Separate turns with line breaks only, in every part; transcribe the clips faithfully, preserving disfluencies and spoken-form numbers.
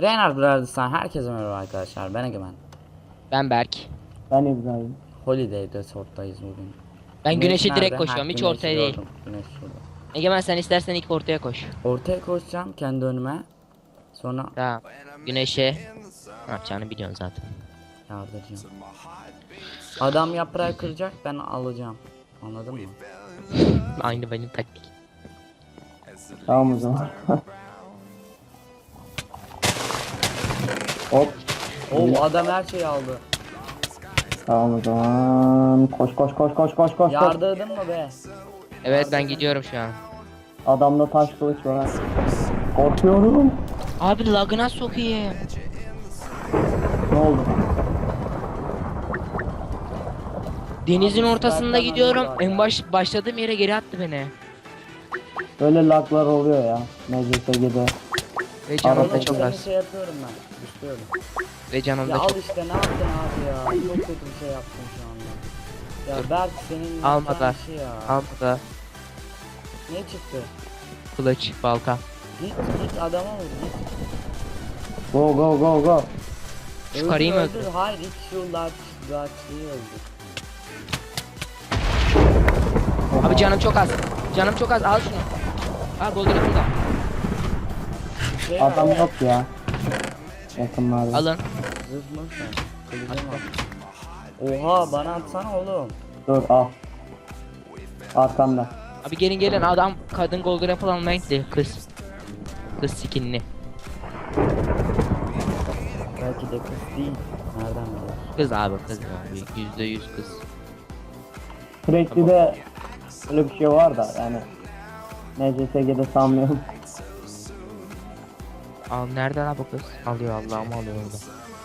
Reynard Brothers'tan herkese merhaba arkadaşlar. Ben Egemen.
Ben Berk.
Ben İbrahim.
Holiday Resort'tayız bugün.
Ben
Güneş
güneşe direkt
nerede?
koşuyorum.
Ha,
Hiç
güneşi
ortaya değil.
gördüm. Güneş şurada.
Egemen sen istersen ilk ortaya koş.
Ortaya koşacağım kendi önüme. Sonra
Tamam. Güneşe ne yapacağını biliyorsun zaten.
yardıracağım. Adam yaprağı kıracak, ben alacağım. Anladın mı?
Aynı benim taktik.
Tamam o zaman. Hop.
Oo, adam her şeyi aldı.
Tamam o zaman. Koş koş koş koş koş koş. koş.
Yardırdın mı be?
Evet ben gidiyorum şu an.
Adamda taş kılıç var. Korkuyorum.
Abi lagına sokayım.
Ne oldu?
Denizin
Abi,
ortasında
zaten
gidiyorum.
anladılar
En
ya.
baş başladığım yere geri attı beni.
Böyle laglar oluyor ya. M C S G'de.
Ve canım
Arada
da
Oğlum
çok
seni
az.
şey yapıyorum ben. Düşüyorum.
Ve canım
Ya
da
al
çok.
işte, ne yaptın abi ya? Çok kötü bir şey yaptın şu anda. Ya Berk senin
Almadı.
yapacağın şey ya.
Almadı.
Ne çıktı?
Kılıç, balta.
Git git adama vur git.
Go go go go.
Şu
Öldür,
karıyı mı
öldür.
öldür?
Hayır git şu large large'liği öldür.
Abi canım çok az. Canım çok az. Al şunu. Al golden burada.
Şey var,
Adam yok ya. Yakınlarda.
Alın.
zırh mı sen? Kılıcım var. Oha bana atsana oğlum.
Dur al. Arkamda.
Abi gelin gelin adam kadın golden apple almaya gitti. Kız. Kız skinli.
Belki de kız değil. Nereden biliyorsun?
Kız abi kız abi. Yüzde yüz kız.
Sürekli de öyle bir şey var da yani. M C S G'de sanmıyorum.
Al nerede lan bu kız? Alıyor Allah'ım alıyor orada.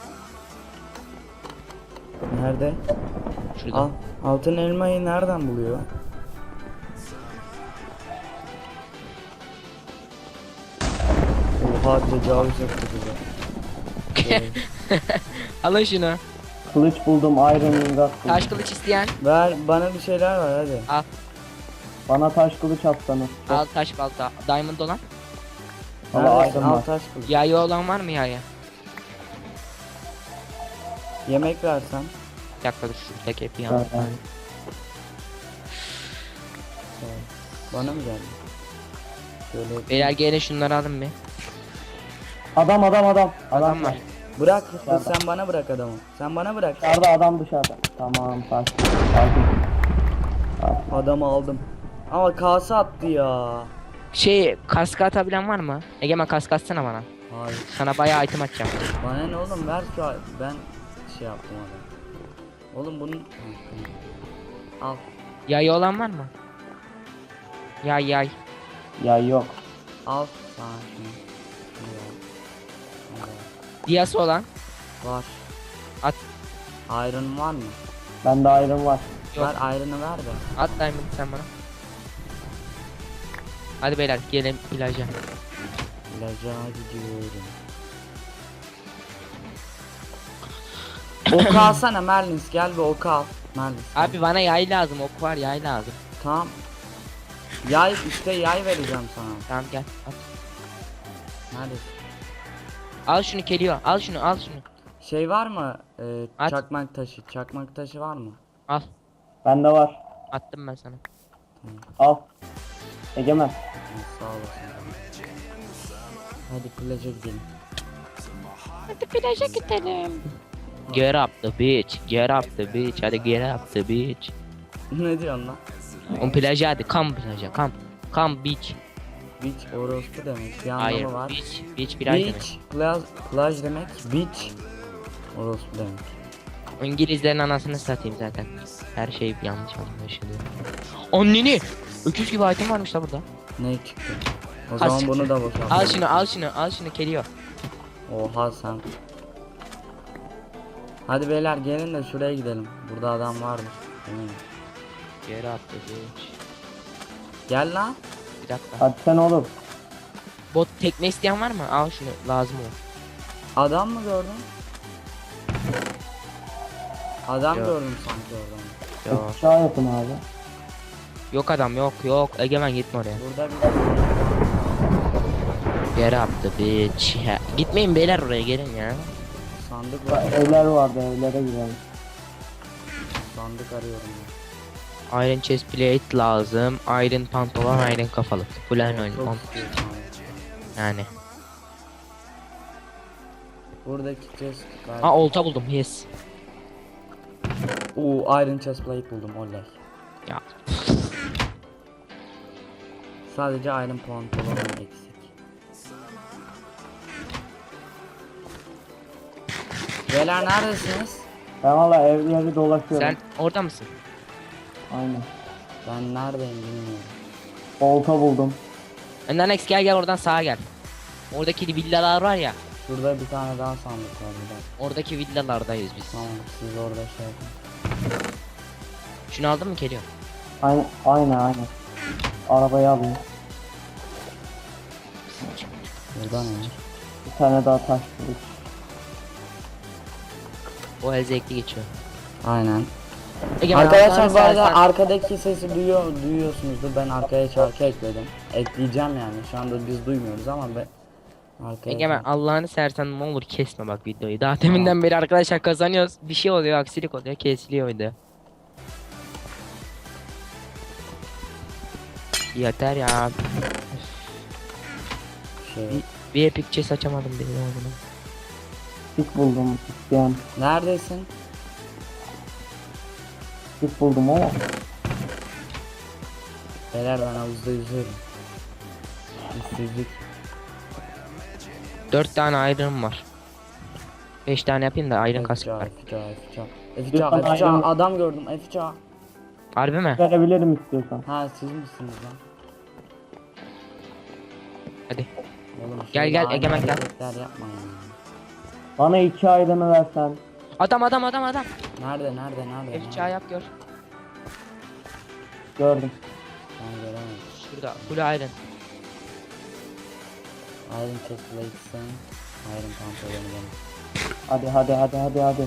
Nerede?
Şurada.
Al. Altın elmayı nereden buluyor? Oha tecavüz etti bize.
Alın şunu.
Kılıç buldum, Iron Ingot buldum.
Taş kılıç isteyen.
Ver bana bir şeyler var hadi.
Al.
Bana taş kılıç atsanız.
Al taş balta. Diamond olan.
Valla
Neredesin?
Iron
Al
var.
taş kılıç.
Yayı olan var mı yayı?
Yemek versen.
Bir dakika dur şuradaki hepi
Evet,
yandı.
evet.
Bana mı geldi? Şöyle
Beyler gelin şunları alın bir.
Adam adam adam.
Adam var.
bırak
Dışarıda.
sen bana bırak adamı. Sen bana bırak.
Dışarıda adam dışarıda. Tamam taş. Sakin. Sakin.
Adamı aldım. Ama kase attı ya.
Şey kask atabilen var mı? Egemen kask atsana bana.
Hayır.
Sana bayağı item atacağım.
Bana ne oğlum, ver şu an. Ben şey yaptım adam. Oğlum bunun al.
Yayı olan var mı? Yay yay.
Ya yok.
Al sana şunu. Şunu al. Şunu al.
Diyası olan.
Var.
At.
Iron var mı?
Bende Iron var.
Yok.
Ver Iron'ı ver de.
At diamond sen bana. Hadi beyler gelin plaja.
İlaca gidiyorum. Ok alsana Merlins, gel bir ok al. Merlins. gel.
Abi bana yay lazım, ok var yay lazım.
Tamam. Yay işte, yay vereceğim sana.
Tamam gel. At.
Neredesin?
Al şunu geliyor. Al şunu, al şunu.
Şey var mı? Ee,
At.
çakmak taşı. Çakmak taşı var mı?
Al.
Bende var.
Attım ben sana.
Al. Egemen.
Ha, sağ olasın. Hadi plaja gidelim.
Hadi plaja gidelim. Get up the beach, get up the beach, hadi get up the beach.
Ne diyorsun lan?
On plaja hadi, come plaja, come. Come beach.
Beach orospu demek. Bir
Hayır,
anlamı var.
beach, beach bir ay demek.
Beach, plaj, plaj demek. Beach orospu demek.
O İngilizlerin anasını satayım zaten. Her şey yanlış anlaşılıyor. Anneni! Öküz gibi item varmış da burada.
Ne çıktı? O
Ha,
zaman
siktir.
bunu da boşalt.
Al şunu, al şunu, al şunu geliyor.
Oha sen. Hadi beyler gelin de şuraya gidelim. Burada adam vardır. Eminim.
Get up the beach.
Gel lan.
Bir dakika.
Hadi sen oğlum.
Bot tekne isteyen var mı? Al şunu, lazım olur.
Adam mı gördün? Adam
Yok.
gördüm sanki oradan.
Yok.
Aşağı yapın abi.
Yok adam yok yok. Egemen gitme oraya.
Burada bir
Yere attı bitch. Ya, gitmeyin beyler oraya gelin ya.
Sandık var.
Evler vardı, evlere girelim.
Sandık arıyorum ya.
Iron chest plate lazım. Iron pantolon, iron kafalık. Full iron oyun.
Çok
pant-
istiyorum abi.
Yani.
Buradaki chest gayet...
Aa olta buldum. Yes.
Oo, iron chest plate buldum olay.
Ya.
Sadece iron pantolonum eksik. Beyler neredesiniz?
Ben valla evleri dolaşıyorum.
Sen orada mısın?
Aynen.
Ben neredeyim bilmiyorum.
Olta buldum.
Önden Alex gel gel oradan sağa gel. Oradaki villalar var ya.
Şurada bir tane daha sandık var bir dakika.
Oradaki villalardayız biz.
Tamam siz orada şey yapın.
Şunu aldın mı geliyor?
Aynen, aynen, aynen. Arabayı alayım.
Burada ne?
Bir tane daha taş bulduk.
O el zevkli geçiyor.
Aynen.
Egemen,
Arkadaşlar
Allah'ını
bu arada
seversen-
arkadaki sesi duyuyor duyuyorsunuzdur. Ben arkaya şarkı ekledim. Ekleyeceğim yani. Şu anda biz duymuyoruz ama ben arkaya.
Egemen Allah'ını seversen ne olur kesme bak videoyu. Daha deminden beri arkadaşlar kazanıyoruz. Bir şey oluyor, aksilik oluyor, kesiliyor video. Yeter ya.
şey.
Bir, bir epic chest açamadım benim oğlum.
Tik buldum isteyen.
Neredesin?
Tik buldum ama.
Beyler ben havuzda yüzüyorum. İşsizlik.
Dört tane iron var. Beş tane yapayım da iron kask var.
F C A, F C A. F
Bir
C A,
tane
F C A,
iron-
adam gördüm F C A.
Harbi mi?
Verebilirim istiyorsan.
Ha siz misiniz lan?
Hadi.
Oğlum,
Gel,
şöyle
gel,
aynı
Egemen, gel.
hareketler yapmayın ya.
Bana iki ayrını versen.
Adam adam adam adam.
Nerede nerede nerede?
F C A yap gör.
Gördüm.
Ben göremedim.
Şurada full iron.
Iron chest plate'sin. Iron pantolonu benim.
Hadi hadi hadi hadi hadi.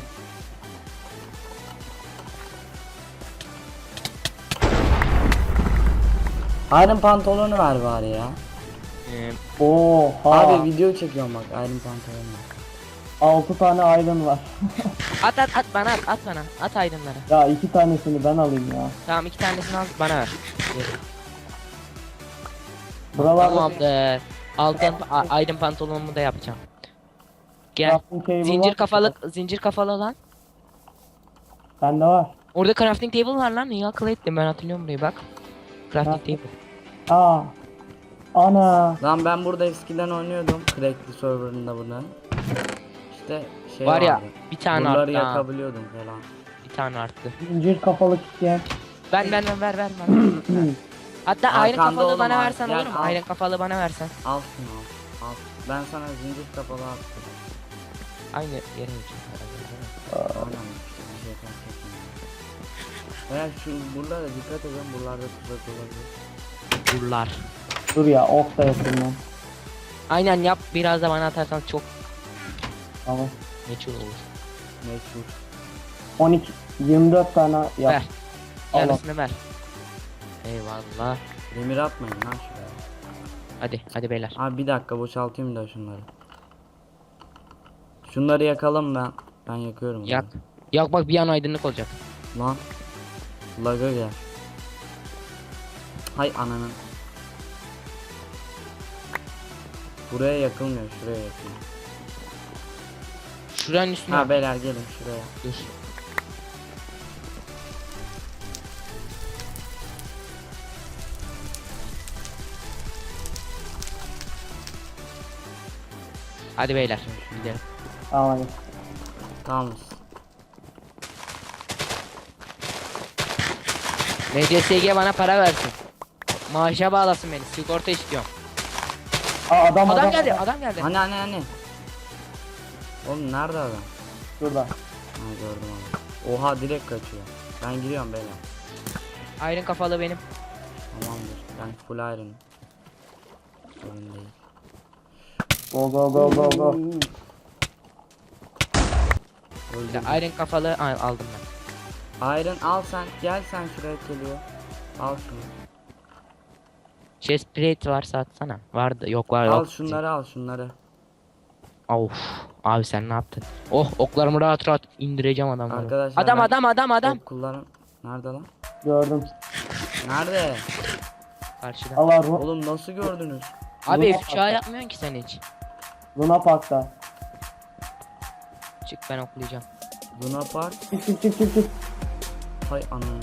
Iron pantolonu ver bari ya.
Ee,
Oha.
Abi video çekiyorum bak Iron pantolonu.
altı tane iron var.
at at at bana at at bana. At ironları.
Ya iki tanesini ben alayım ya.
Tamam iki tanesini al bana ver.
Buralarda
Tamamdır. Altın a- iron pantolonumu da yapacağım. Gel.
crafting table
Zincir
var.
kafalı zincir kafalı olan.
Bende var.
Orada crafting table var lan. İyi akıl ettim ben hatırlıyorum burayı bak. Crafting table.
Aa. Ana.
Lan ben burada eskiden oynuyordum. Crackli serverında bunun. İşte şey
Var ya
vardı.
bir tane
Buraları
arttı ha.
yakabiliyordum falan.
Bir tane arttı.
Zincir kafalık isteyen.
Ben ben ben ver ver ver. Hatta iron
Arkanda
kafalı
oğlum,
bana
ar-
versen
gel,
olur mu?
al.
Iron kafalı bana versen.
Al şunu al. Al. Ben sana zincir kapalı attım.
Aynı yere geçiyor.
Aynen işte bir şey fark etmiyor. Eğer şu buralara dikkat edin, buralarda tuzak olabilir.
Durlar.
Dur ya, ok da yapayım ben.
Aynen yap biraz da bana atarsan çok
Tamam.
meçhul olur.
Meşhur.
on iki yirmi dört tane yap.
Ver.
Allah.
Yarısını ver. Eyvallah.
Demir atmayın lan şuraya.
Hadi hadi beyler.
Abi bir dakika boşaltayım da şunları. Şunları yakalım ben. Ben yakıyorum.
Yak. Yak bak bir an aydınlık olacak.
bunu. Lan. Laga gel. Hay ananın. Buraya yakılmıyor, şuraya yakılıyor.
Şuranın üstüne.
Ha beyler gelin şuraya.
Dur. Hadi beyler gidelim.
Tamam hadi.
Tamam.
M C S G bana para versin. Maaşa bağlasın beni. Sigorta istiyorum.
Aa, adam,
Adam geldi, adam geldi.
Hani hani hani. Oğlum nerede adam?
Şurada.
Ha gördüm onu. Oha direkt kaçıyor. Ben giriyorum beyler.
Iron kafalı benim.
Tamamdır. Ben full iron. Sorun değil.
Go go go go go.
Öldürdüm.
Ya, Iron kafalı al- aldım ben.
Iron al sen. Gel sen şuraya geliyor. Al şunu.
Chest plate varsa atsana. Vardı. Yok var
Al
yok.
şunları al şunları.
Of. Abi sen ne yaptın? Oh oklarımı rahat rahat indireceğim adamları.
Arkadaşlar
Adam
ben
adam adam adam.
ok kullan- Nerede lan?
Gördüm.
Nerede?
Karşıda.
Allah Ru-
Oğlum nasıl gördünüz?
Abi
Luna
F üç A yapmıyorsun ki sen hiç.
Luna Park'ta.
Çık ben oklayacağım.
Luna Park.
Çık çık çık çık çık.
Hay anam.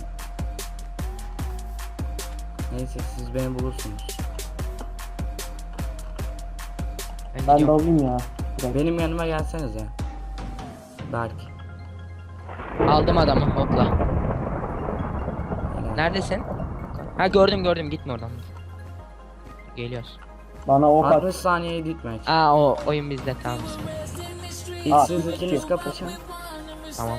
Neyse siz beni bulursunuz.
Ben,
Ben de
gidiyorum.
alayım ya. Direkt.
Benim yanıma gelsenize. Berk.
Aldım adamı hopla.
Helal.
Neredesin? Ha gördüm gördüm gitme oradan. Geliyoruz.
Bana ok at.
altmış saniye gitmek.
Aa o oyun bizde tamam.
İlk
Aa,
siz
bir
ikiniz
şey.
kapışın.
Tamam.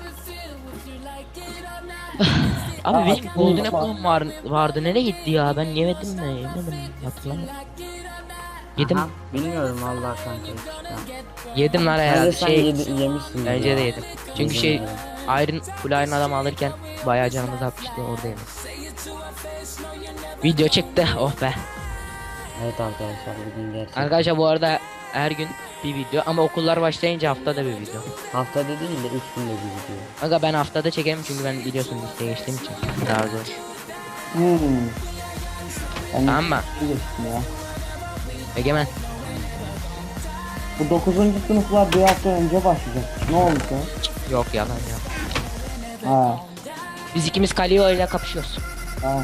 Abi
Aa,
benim golden
yapma.
apple'ım var, vardı nereye gitti ya ben yemedim mi yemedim hatırlamıyorum. Yedim.
Aha, bilmiyorum vallahi kanka. Ya.
Yedim lan
Bence
herhalde
sen
şey
yedi- yemişsin.
bence
ya.
de yedim. Çünkü
Yedim
şey
ya.
Iron full Iron adam alırken bayağı canımız atmıştı orada yedim. Video çıktı oh be.
Evet arkadaşlar bugün gerçekten.
Arkadaşlar bu arada her gün bir video ama okullar başlayınca haftada bir video.
Haftada değil de üç günde bir video.
Aga ben haftada çekerim çünkü ben biliyorsun listeye geçtiğim için daha zor.
Hmm. Ben
Tamam mı?
bir geçtim ya.
Egemen.
Bu dokuzuncu sınıflar bir hafta önce başlayacak. Ne oldu ya?
Yok yalan ya.
Ha.
Biz ikimiz Kalio ile kapışıyoruz.
Tamam.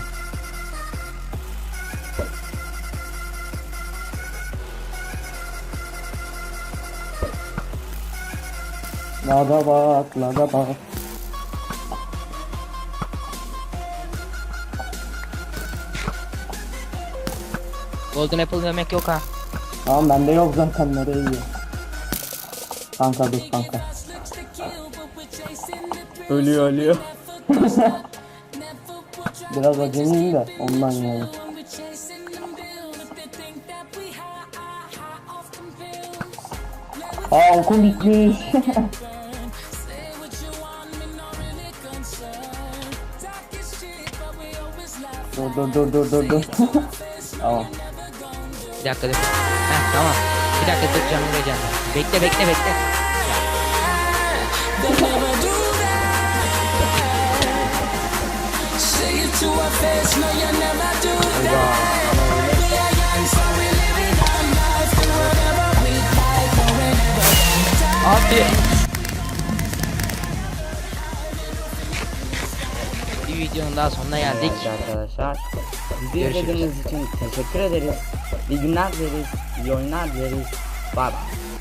Lada bak, lada bak.
Golden Apple yemek yok ha.
Tamam bende yok zaten nereye gidiyor? Kanka dur kanka.
Ölüyor ölüyor.
Biraz acemiyim de ondan yani. Aa okum bitmiş. dur dur dur dur dur dur. Tamam.
Bir dakika dur. Heh tamam. Bir dakika dur canım vereceğim. Bekle bekle bekle. Abi. Bir videonun daha sonuna geldik.
Evet arkadaşlar. Bizi
Görüşürüz.
izlediğiniz için teşekkür ederiz. İyi günler dileriz. İyi oyunlar dileriz. Bye bye.